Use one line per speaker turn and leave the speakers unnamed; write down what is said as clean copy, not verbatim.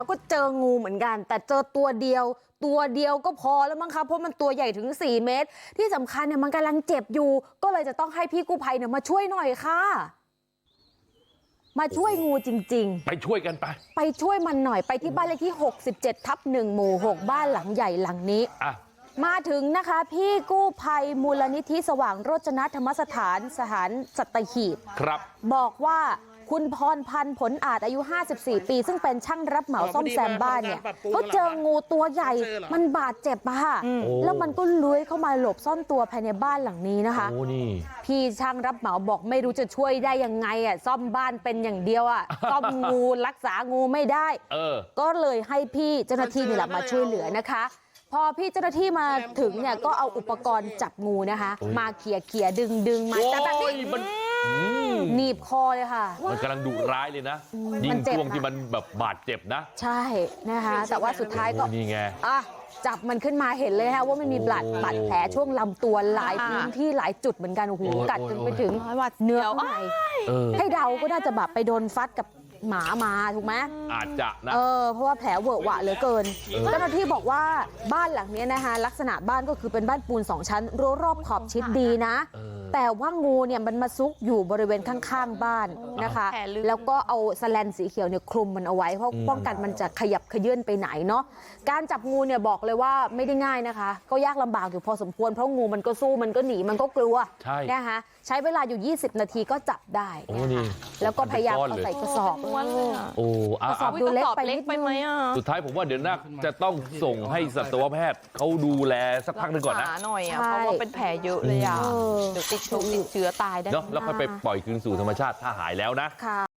ก็เจองูเหมือนกันแต่เจอตัวเดียวก็พอแล้วมั้งคะเพราะมันตัวใหญ่ถึง4 เมตรที่สำคัญเนี่ยมันกำลังเจ็บอยู่ก็เลยจะต้องให้พี่กู้ภัยเนี่ยมาช่วยหน่อยค่ะมาช่วยงูจริงๆ
ไปช่วยกันไป
ช่วยมันหน่อยไปที่บ้านเลขที่67/1 หมู่ 6บ้านหลังใหญ่หลังนี้มาถึงนะคะพี่กู้ภัยมูลนิธิสว่างโรจนธรรมสถานสัตหีบ
ครับ
บอกว่าคุณพรพันธ์ผลอาจอายุ54 ปีซึ่งเป็นช่างรับเหมาซ่อมแซมบ้านเนี่ยเขาเจองูตัวใหญ่มันบาดเจ็บอะค่ะแล้วมันก็เลื้อยเข้ามาหลบซ่อนตัวภายในบ้านหลังนี้นะคะพี่ช่างรับเหมาบอกไม่รู้จะช่วยได้ยังไงอะซ่อมบ้านเป็นอย่างเดียวอะซ่อมงูรักษางูไม่ได้ก็เลยให้พี่เจ้าหน้าที่นี่แหละมาช่วยเหลือนะคะพอพี่เจ้าหน้าที่มาถึงเนี่ยก็เอาอุปกรณ์จับงูนะคะมาเขี่ยดึงมาจับแบบนี้หนีบคอเลยค่ะ
มันกำลังดุร้ายเลยนะยิ่งช่วงที่มันแบบบาดเจ็บนะ
ใช่นะคะแต่ว่าสุดท้ายก็
นี่ไง
จับมันขึ้นมาเห็นเลยค่ะว่ามันมีบาดแผลช่วงลำตัวหลายพื้นที่หลายจุดเหมือนกันโอ้โหกัดจนไปถึงเนื้อข้างในให้เดาก็น่าจะแบบไปโดนฟัดกับหมามาถูกไหม
อาจจะนะ
เพราะว่าแผลเวอะหวะเหลือเกินเจ้าหน้าที่บอกว่าบ้านหลังนี้นะคะลักษณะบ้านก็คือเป็นบ้านปูน2 ชั้นรั้วรอบขอบชิดดีนะแต่ว่างูเนี่ยมันมาซุกอยู่บริเวณข้างๆบ้านนะคะแล้วก็เอาแสแลนสีเขียวเนี่ยคลุมมันเอาไว้เพราะป้องกันมันจะขยับขยื่นไปไหนเนาะการจับงูเนี่ยบอกเลยว่าไม่ได้ง่ายนะคะก็ยากลำบากอยู่พอสมควรเพราะงูมันก็สู้มันก็หนีมันก็กลัวนะคะใช้เวลาอยู่20 นาทีก็จับได้แล้วก็พยายามเอาใส่กระสอบกระสอบดูเล็กไปนิดไหม
สุดท้ายผมว่าเดี๋ยวน่าจะต้องส่งให้สัตวแพทย์เขาดูแลสักพักหนึ่งก่อนนะ
หน่อยเพราะว่าเป็นแผลเยอะเลยเดี๋ยวติดเชื้อตายได้
เนาะแล้วค่อยไปปล่อยคืนสู่ธรรมชาติถ้าหายแล้วนะ